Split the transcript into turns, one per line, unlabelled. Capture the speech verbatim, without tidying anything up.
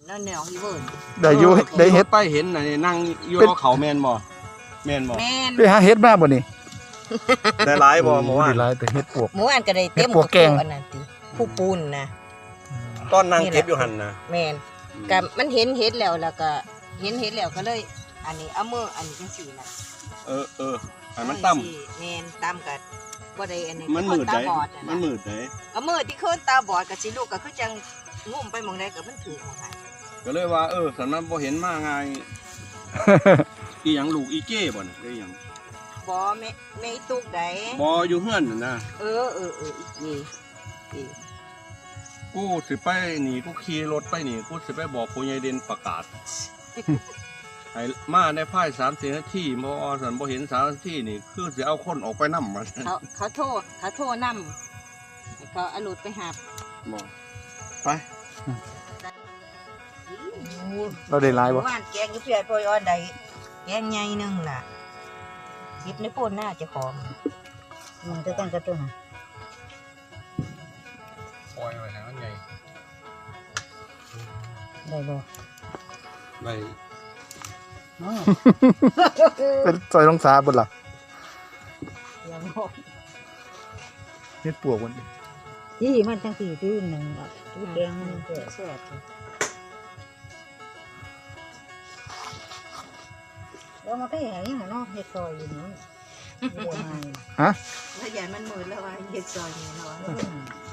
นั่นแนวอีเวิร์น
ได้อยู่ได้เฮ็ด
ไปเห็นน่ะนี่นั่งอยู่รอเขาแม่นบ่แม่นบ่
แม่น
ไปหาเฮ็ดมาบ่นี่
ได้หลายบ่เมื่อวาน
ได้หลายแต่เฮ็ดปวก
หมูอันก็ได้เต็ม
เฮ็ดปวกแกง
อันนั้นติผู้ปูนนะ
ตอนนั่งเก็บอยู่หั่นนะ
แม่นก็มันเห็นเห็ดแล้วแล้วก็เห็นเห็ดแล้วก็เลย อันนี้เอามืออันนี้จังซี่น่ะ
เออเออให้มันต่ำ
แม่นต่ำก็บ่ได้อันนี้
มันมืด
ตา
ได้
บอดะะ
มันมืดได้
ก็มืดที่คนตาบอดก็สิลูกก็คือจังงุ่มไปหม่องใดก็มันถือของหัน
ก็เลยว่าเออสำนั้นบ่เห็นมาไงอีหยังลูกอีเก้บ่น่ะได้หยัง
บ่แม่แม่อีตุกใด
บ่อยู่เฮือนน่ะนะ
เออเออเอออีกนี่อีก
กูสิไปนี่กูขี่รถไปนี่กูสิไปบอกผู้ใหญ่เด่นประกาศ ให้มาในภายสามสิบนาทีบ่สันบ่เห็นสามนาทีนี่คือสิเอาคนออกไปนำมา
เขาเขาโทษเขาโทษนำให้เขาเอารถไปหา
บ่ไป
เราได้หลายบ่
ว่านแกงอยู่เพียปอยอ่อนใดแกงใหญ่หนึงล่ะหยิบในโพนหน้าเจ้าของมันจะตั้งกระตุ้น
ปล่อยไว้ให้มันใหญ่
ได้บ่
ได้
เป็นซอยลงสาบ่ล่ะ
ยังบ่
เฮ็ดปวกมัน
ยี่มันจังสี่ที่หนึ่งอ่ะที่แกงมันเกิด
แซ่บ
แล้วมาไปหาอย่างเนาะเฮ็ดซอยอยู่นี่บัวไม้
ฮะ
แล้วใหญ่มันมืดแล้วว่าเฮ็ดซอยนี่เนาะ